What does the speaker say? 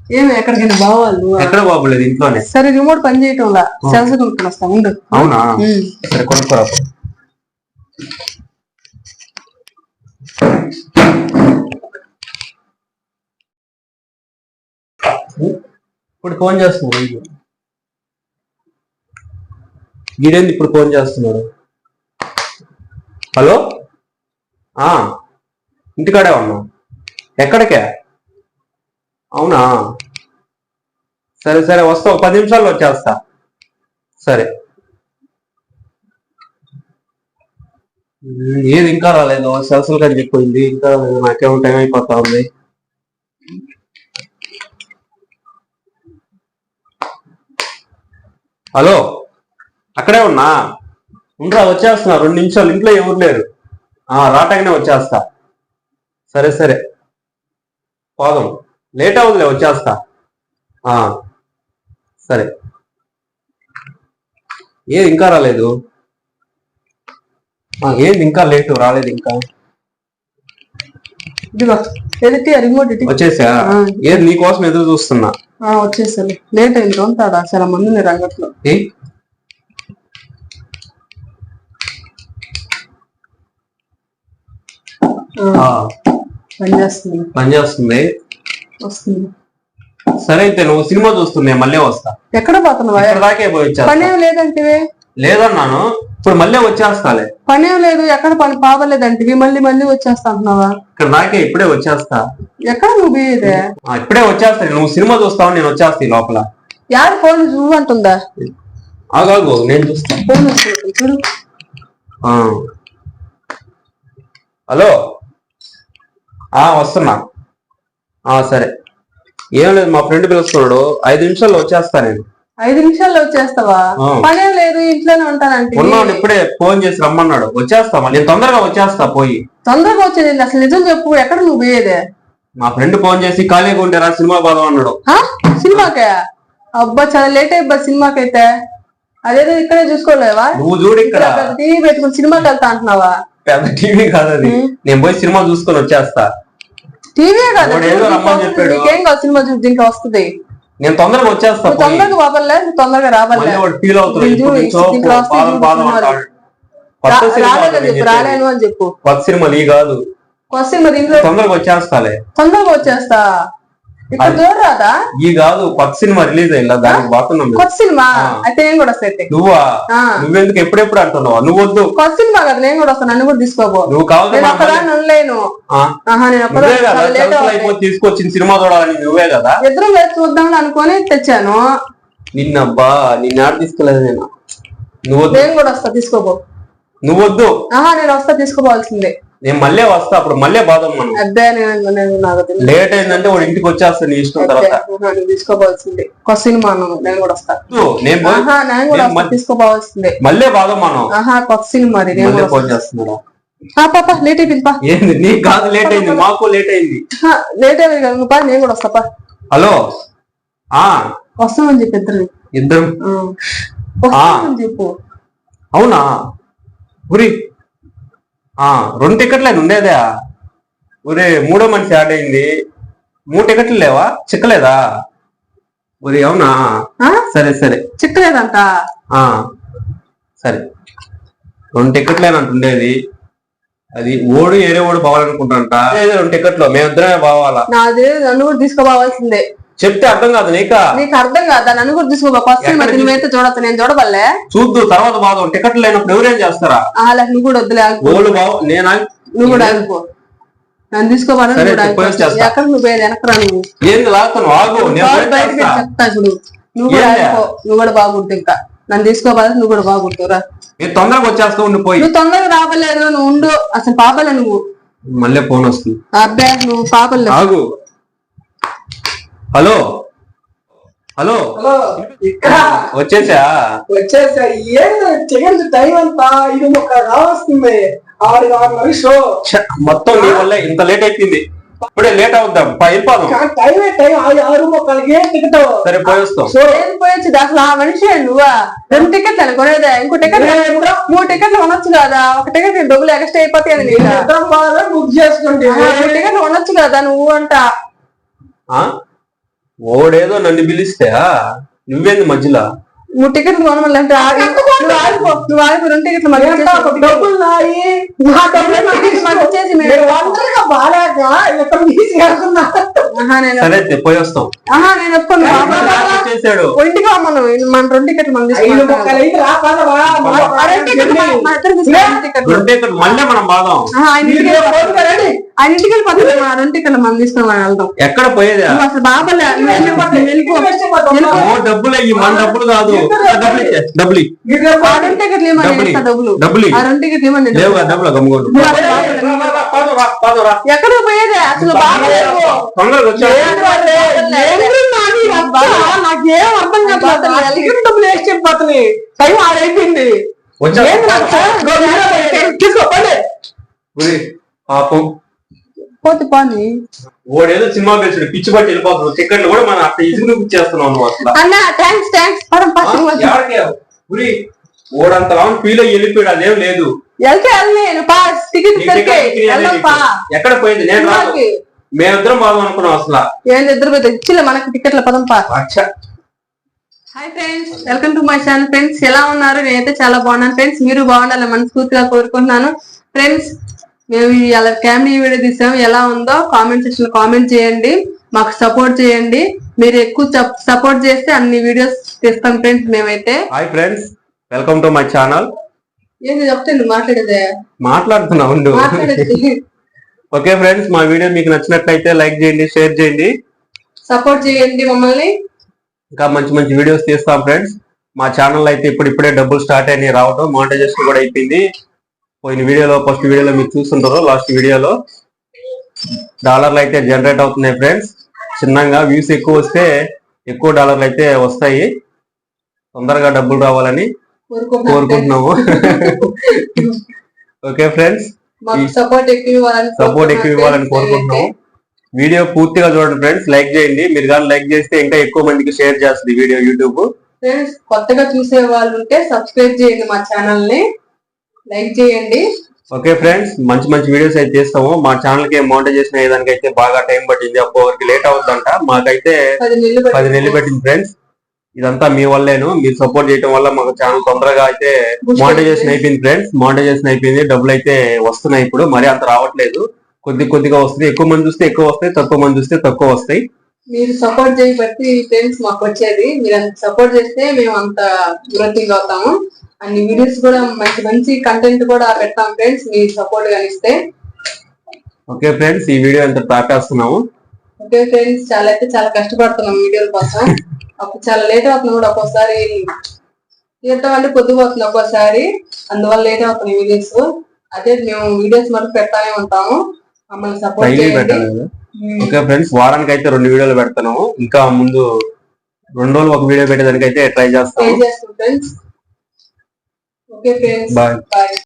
ఏమి ఎక్కడికైనా బావాళ్ళు ఎక్కడ బాబులేదు ఇంట్లోనే. సరే రిమోట్ పని చేయటంలా సెల్స్ కొనుక్కొని వస్తా ఉండు. అవునా సరే కొనుక్కోరా. ఇప్పుడు ఫోన్ చేస్తున్నాడు వీడేంది ఇప్పుడు ఫోన్ చేస్తున్నాడు. హలో ఇంటికాడే ఉన్నా. ఎక్కడికే? అవునా సరే సరే వస్తా, 10 నిమిషాల్లో వచ్చేస్తా. సరే ఏది ఇంకా రాలేదు, సెల్సల్ కానీ చెప్పిపోయింది ఇంకా రాలేదు. నాకేమో టైం అయిపోతా ఉంది. హలో అక్కడే ఉన్నా, ఇంకా వచ్చేస్తున్నా 2 నిమిషాలు. ఇంట్లో ఎవరు లేరు, రాటగానే వచ్చేస్తా. సరే సరే పోదాం, లేట్ అవుతుందిలే వచ్చేస్తా. సరే ఏది ఇంకా రాలేదు, ఏంది ఇంకా లేటు రాలేదు ఇంకా. వచ్చేసా? ఏది నీకోసం ఎదురు చూస్తున్నా. వచ్చేసాను, లేట్ అయింది. ఉంటాడా చాలా మంది ఉన్నారు అంగట్లో. పని చేస్తుంది వస్తుంది. సరే అయితే నువ్వు సినిమా చూస్తుంది, మళ్ళీ వస్తా. ఎక్కడ పోతున్నావా? దాకే పోయి పనేం లేదంటే లేదన్నాను, ఇప్పుడు మళ్ళీ వచ్చేస్తాలే. పనేం లేదు, ఎక్కడ పని పావలేదంటివి, మళ్ళీ మళ్ళీ వచ్చేస్తా అంటున్నావా? ఇక్కడ దాకే ఇప్పుడే వచ్చేస్తా. ఎక్కడ నువ్వు పోయేదే? ఇప్పుడే వచ్చేస్తా. నువ్వు సినిమా చూస్తావు, నేను వచ్చేస్తా ఈ లోపల. యారు ఫోన్ చూడంటుందా? ఆగాగు నేను చూస్తా. చూడు. హలో వస్తున్నా. సరే ఏం లేదు, మా ఫ్రెండ్ పిలుస్తున్నాడు, 5 నిమిషాల్లో వచ్చేస్తా. నేను 5 నిమిషాల్లో వచ్చేస్తావా? పనేం లేదు, ఇంట్లోనే ఉంటానంటే. ఉన్నాను, ఇప్పుడే ఫోన్ చేసి రమ్మన్నాడు. వచ్చేస్తా, నేను తొందరగా వచ్చేస్తా. పోయి తొందరగా వచ్చేది అసలు నిజం చెప్పు, ఎక్కడ నువ్వు పోయేదే? మా ఫ్రెండ్ ఫోన్ చేసి ఖాళీగా ఉంటారా సినిమా పోదాం అన్నాడు. సినిమాకే? అబ్బా చాలా లేట్ అయిపోయి సినిమాకైతే. అదేదో ఇక్కడే చూసుకోలేవా? నువ్వు చూడు, ఇక్కడ టీవీ పెట్టుకుని సినిమాకి వెళ్తా అంటున్నావా? పెద్ద టీవీ కాదు అది, నేను పోయి సినిమా చూసుకొని వచ్చేస్తా. టీవీ కాదు, చెప్పాడు. నీకేం కాదు, సినిమా చూసి దీంట్లో వస్తుంది. నేను తొందరగా వచ్చేస్తా. తొందరగా బాబర్లే, తొందరగా రాబర్లే. రాలేను అని చెప్పు. కొత్త సినిమా నీ కాదు, కొత్త సినిమా దీంట్లో. తొందరగా వచ్చేస్తాలే. తొందరగా వచ్చేస్తా. ఇక్కడ చూడరాదా? ఈ కాదు, కొత్త సినిమా రిలీజ్ అయిందా, దానికి బాగున్నాం. కొత్త సినిమా అయితే నేను కూడా వస్తాయి. నువ్వెందుకు ఎప్పుడెప్పుడు అంటున్నావు? నువ్వు వద్దు. కొత్త సినిమా కదా, నేను కూడా వస్తాను, నన్ను కూడా తీసుకోబో. నువ్వు కావాలి అనలేను. తీసుకొచ్చిన సినిమా చూడాలని నువ్వే కదా. ఇద్దరం వేసి చూద్దాం అనుకుని తెచ్చాను. నిన్నబ్బా నిన్న ఆడ తీసుకోలేదు నేను. నేను కూడా వస్తా, తీసుకోబో. నువ్వు వద్దు. నేను వస్తా, తీసుకోవాల్సిందే. నేను మళ్ళీ వస్తా, అప్పుడు మళ్ళీ బాధం. లేట్ అయిందంటే వాడు ఇంటికి వచ్చేస్తా, నీ ఇష్టం. తర్వాత తీసుకోవాల్సిందే. కొత్త సినిమా నేను కూడా వస్తా. నేను కూడా వస్తా, తీసుకోవాల్సిందే. మళ్ళీ బాధం మనం. కొత్త సినిమా ఫోన్ చేస్తున్నారా? పాప లేట్ అయిపోయింది. ఏంది నీకు కాదు లేట్ అయింది, మాకు లేట్ అయింది. లేట్ అయింది కదా, నువ్వు నేను కూడా వస్తా. హలో వస్తామని చెప్పి ఇద్దరం చెప్పు. అవునా గురి 2 టికెట్లే ఉండేదా? ఒరే 3వ మనిషి యాడ్ అయింది, 3 టికెట్లు లేవా? చిక్కలేదా? ఒరే అవునా? సరే సరే చిక్కలేదంట. సరే 2 టికెట్లేనంట ఉండేది. అది ఏరే ఓడు పోవాలనుకుంటాంట. 2 టికెట్లు మేమిద్దరమే పోవాలా. నాది నన్ను కూడా తీసుకోవాల్సిందే. చెప్తే అర్థం కాదు నీకు అర్థం కాదా? నన్ను కూడా తీసుకో. ఫస్ట్ నువ్వైతే చూడతా, నేను చూడబల్లే. చూద్దు తర్వాత బాధ. టికెట్లు లేనప్పుడు ఎవరేం చేస్తారా? నువ్వు కూడా వద్దులే, నువ్వు కూడా ఆగిపో. నన్ను తీసుకోవాలి. ఎక్కడ నువ్వు వెనకరా? నువ్వు ఏంది లాగుతున్నావు? బయటకి చెప్తా చూడు. నువ్వు కూడా ఆగిపో, నువ్వు కూడా బాగుంటు. ఇంకా నన్ను తీసుకోవాలి, నువ్వు కూడా బాగుంటురా. తొందరగా వచ్చేస్తా. ఉండిపోయి నువ్వు తొందరగా రాబలేదు, నువ్వు ఉండు. అసలు పాపలే నువ్వు. మళ్ళీ ఫోన్ వస్తుంది. అబ్బే నువ్వు పాపలే. ఆగు. హలో హలో వచ్చేసా? ఏంటి టైం అంతా? ఇది ఒక రావస్తుంది 6 షో. మొత్తం నీ వల్ల ఇంత లేట్ అయిపోయింది. ఇప్పుడే లేట్ అవుద్దాం, వెళ్ళిపోదాం. సరే పోయేస్తాం. పోయొచ్చు అసలు. ఆ మనిషి నువ్వా? 2 టికెట్లు అనుకునేదే. ఇంకో టికెట్ 3 టికెట్లు కొనొచ్చు కదా. ఒక టికెట్ డబ్బులు ఎక్స్ట్రా అయిపోతాయి. బుక్ చేసుకుంటే 3 టికెట్లు కొనొచ్చు కదా నువ్వు అంట. ఓడేదో నన్ను పిలిస్తే నువ్వేంది మధ్యలో 3 టికెట్లు కొనమంటే నువ్వు ఆగిపో 2 టికెట్లు మాకు ఇచ్చేసి డబ్బులు నాయి నా డబ్బులు మాకు ఇచ్చేసి మీరు ఒంటరిగా బాగాక ఇక్కడ తీసుకెళ్తున్నా నేను సరే అయితే పోయి వస్తాం నేను ఒప్పుకోను చేశాడు ఇంటికి మనం మన 2 టికెట్లు మనం 5 ముక్కలు అయితే రా పదవా మళ్ళీ మనం బాదాం ఆయన ఇంటికి వెళ్ళిపోతుంది 2 టికెట్లు మనం తీసుకుని వెళ్దాం ఎక్కడ పోయేదా నువ్వు అసలు బాబలే డబ్బులు అయ్యి మన డబ్బులు కాదు డబ్బులు ఇచ్చే డబ్బులు ఆ 2 టికెట్లు ఏమని డబ్బులు డబ్బులు ఆ 2 టికెట్లు ఏమని లేవుగా డబ్బులు గమ్ముకోండు ఎక్కడ పోయేదే అసలు బాబలేదు తొందరగా వచ్చా నాకేం అర్థం కాదు డబ్బులు వేసి చెప్పిపోతుంది టైం ఆడైపోయింది వచ్చా తీసుకోండి పాపం పోతే పోని ఓడేదో సినిమా పేరు పిచ్చి పట్టి వెళ్ళిపోతున్నావు టికెట్లు కూడా మనం అట్లా ఇసుగు ఇచ్చేస్తున్నావు నువ్వు అసలు అన్న థ్యాంక్స్ పదం ఎవరికి ఉరి ఓడంత లాంగ్ ఫీల్ అయ్యి వెళ్ళిపోయాడు అదేం లేదు వెళ్తే వెళ్ళలేను పాస్ టికెట్ దొరికే వెళ్దాం పా ఎక్కడ పోయింది నేను రాదు మేమిద్దరం బాగా అనుకున్నాం అసలు ఏంటి ఇద్దరు పోతే ఇచ్చిలే మనకి టికెట్ల పదం పా అచ్చా hi friends welcome to my channel friends ఎలా ఉన్నారు నేనైతే చాలా బాగున్నాను ఫ్రెండ్స్ మీరు బాగుండాలని మనస్ఫూర్తిగా కోరుకుంటున్నాను ఫ్రెండ్స్ మేము ఇలా ఫ్యామిలీ వీడియో తీసాము ఎలా ఉందో కామెంట్ సెక్షన్ లో కామెంట్ చేయండి మాకు సపోర్ట్ చేయండి మీరు ఎక్కువ సపోర్ట్ చేస్తే అన్ని వీడియోస్ తీస్తాం ఫ్రెండ్స్ మేమైతే hi friends welcome to my channel ఏంటి చెప్తే నువ్వు మాట్లాడేదే మాట్లాడుతున్నావు మాట్లాడేది ఓకే ఫ్రెండ్స్ మా వీడియో మీకు నచ్చినట్లయితే లైక్ చేయండి షేర్ చేయండి సపోర్ట్ చేయండి మమ్మల్ని ఇంకా మంచి మంచి వీడియోస్ తీస్తాం ఫ్రెండ్స్ మా ఛానల్ అయితే ఇప్పుడే డబ్బులు స్టార్ట్ అయినాయి రావడం మానిటైజేషన్ కూడా అయిపోయింది పోయిన వీడియోలో ఫస్ట్ వీడియోలో మీరు చూస్తుంటారు లాస్ట్ వీడియోలో డాలర్లు అయితే జనరేట్ అవుతున్నాయి ఫ్రెండ్స్ చిన్నగా వ్యూస్ ఎక్కువ వస్తే ఎక్కువ డాలర్లు అయితే వస్తాయి తొందరగా డబ్బులు రావాలని కోరుకుంటున్నాము ఓకే ఫ్రెండ్స్ సపోర్ట్ ఎక్కువ ఇవ్వాలని కోరుకుంటున్నాము వీడియో పూర్తిగా చూడండి ఫ్రెండ్స్ లైక్ చేయండి మీరు కానీ లైక్ చేస్తే ఇంకా ఎక్కువ మందికి షేర్ చేస్తుంది వీడియో యూట్యూబ్ ఫ్రెండ్స్ కొత్తగా చూసే వాళ్ళు ఉంటే సబ్స్క్రైబ్ చేయండి మా ఛానల్ ని లైక్ చేయండి ఓకే ఫ్రెండ్స్ మంచి మంచి వీడియోస్ అయితే చేస్తాము మా ఛానల్ కి మానిటైజేషన్ అయ్యేదానికి అయితే బాగా టైం పట్టింది అప్పటికి లేట్ అవుతుందంట మాకైతే 10 నెలలు పెట్టింది ఫ్రెండ్స్ ఇదంతా మీ వల్లేను మీరు సపోర్ట్ చేయడం వల్ల మాకు ఛానల్ తొందరగా అయితే మానిటైజేషన్ అయిపోయింది ఫ్రెండ్స్ మానిటైజేషన్ అయిపోయింది డబ్బులు అయితే వస్తున్నాయి ఇప్పుడు మరి అంత రావట్లేదు కొద్దిగా వస్తుంది ఎక్కువ మంది చూస్తే ఎక్కువ వస్తాయి తక్కువ మంది చూస్తే తక్కువ వస్తాయి మీరు సపోర్ట్ చేయబట్టి ఫ్రెండ్స్ మాకు వచ్చేది మీరు అంత సపోర్ట్ చేస్తే మేము అంత గ్రోతింగ్ అవుతాము అన్ని వీడియోస్ కూడా మంచి మంచి కంటెంట్ కూడా పెడతాం ఫ్రెండ్స్ మీరు సపోర్ట్ గా ఇస్తే ఓకే ఫ్రెండ్స్ ఈ వీడియో అంతా ప్రాకాస్తున్నాము ఓకే ఫ్రెండ్స్ చాలా కష్టపడుతున్నాం వీడియోల కోసం అప్పుడు చాలా లేట్ అవుతుంది కూడా ఒక్కోసారి తీర్థం అంటే పొద్దుపోతుంది ఒక్కోసారి అందువల్ల లేట్ అవుతుంది వీడియోస్ అదే మేము వీడియోస్ మనకు పెడతానే ఉంటాము మమ్మల్ని సపోర్ట్ చేయండి ఓకే ఫ్రెండ్స్ వారానికి అయితే 2 వీడియోలు పెడతాను ఇంకా ముందు 2 రోజులు ఒక వీడియో పెట్టేదానికి అయితే ట్రై చేస్తాం friends okay friends bye bye